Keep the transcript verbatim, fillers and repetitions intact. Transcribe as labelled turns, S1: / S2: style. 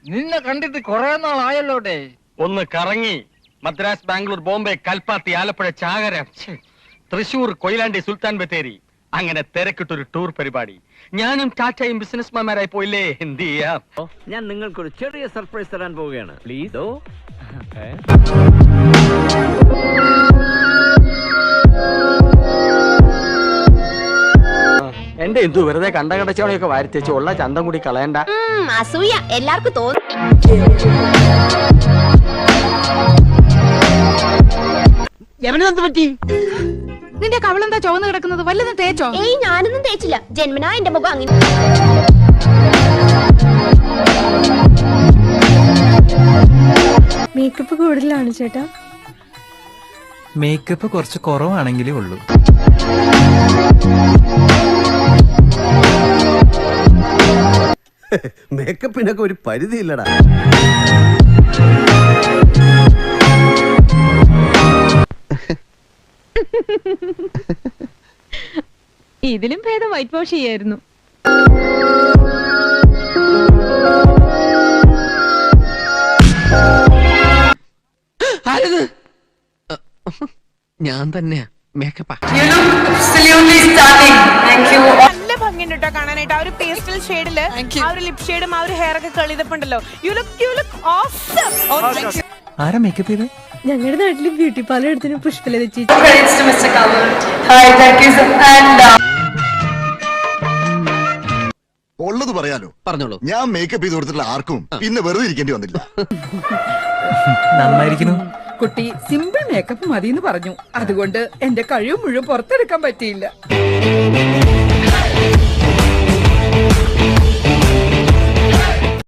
S1: നിന്നെ കണ്ടിട്ട് കൊറേ നാളായല്ലോട്ടെ.
S2: ഒന്ന് കറങ്ങി മദ്രാസ്, ബാംഗ്ലൂർ, ബോംബെ, കൽപ്പാത്തി, ആലപ്പുഴ, ചാകര, തൃശൂർ, കൊയിലാണ്ടി, സുൽത്താൻ ബത്തേരി, അങ്ങനെ തിരക്കിട്ടൊരു ടൂർ പരിപാടി. ഞാനും ടാറ്റയും ബിസിനസ്മാൻമാരായി പോയില്ലേ, എന്ത് ചെയ്യാം.
S3: ഞാൻ നിങ്ങൾക്കൊരു ചെറിയ സർപ്രൈസ് തരാൻ പോവുകയാണ്. പ്ലീസ്.
S2: എന്റെ എന്തു വെറുതെ കണ്ട കടച്ചോടെയൊക്കെ വാരിത്തേച്ച് ഉള്ള ചന്തം കൂടി കളയണ്ട.
S4: അസൂയ എല്ലാവർക്കും തോന്നും.
S5: നിന്റെ കവളെന്താ ചുവന്ന് കിടക്കുന്നത്? വല്ലതും തേച്ചോ?
S4: ഏയ് ഞാനൊന്നും തേച്ചില്ല. ജന്മനാ എന്റെ മുഖം അങ്ങനെ.
S6: മേക്കപ്പ് കൂടുതലാണ് ചേട്ടാ.
S7: മേക്കപ്പ് കുറച്ച് കുറവാണെങ്കിലേ ഉള്ളൂ.
S8: മേക്കപ്പിനൊക്കെ ഒരു പരിധി ഇല്ലടാ.
S6: ഇതിലും ഭേദം വൈറ്റ് വാഷ് ചെയ്യായിരുന്നു.
S7: ഞാൻ തന്നെയാ മേക്കപ്പാ.
S5: നല്ല ഭംഗിയുണ്ട് കേട്ടോ കാണാനായിട്ട്. ആ ഒരു പേസ്റ്റൽ ഷെയ്ഡില് ആ ഒരു ലിപ് ഷെയ്ഡും ആ ഒരു ഹെയർ ഒക്കെ കളിതപ്പുണ്ടല്ലോ. You look you look awesome.
S7: ആരാ മേക്കപ്പ് ചെയ്തേ?
S6: ഞങ്ങളുടെ നാട്ടില് ബ്യൂട്ടി പാർലർ എടുത്തിന് പുഷ്പലത ചേച്ചി.
S8: ഉള്ളത് പറയാലോ. പറഞ്ഞോളൂ. ഞാൻ മേക്കപ്പ് ചെയ്ത് കൊടുത്തിട്ടുള്ള ആർക്കും പിന്നെ വെറുതെ ഇരിക്കേണ്ടി വന്നില്ല.
S7: നന്നായിരിക്കുന്നു.
S5: കുട്ടി സിമ്പിൾ മേക്കപ്പ് മതി എന്ന് പറഞ്ഞു. അതുകൊണ്ട് എന്റെ കഴിവ് മുഴുവൻ പുറത്തെടുക്കാൻ പറ്റിയില്ല.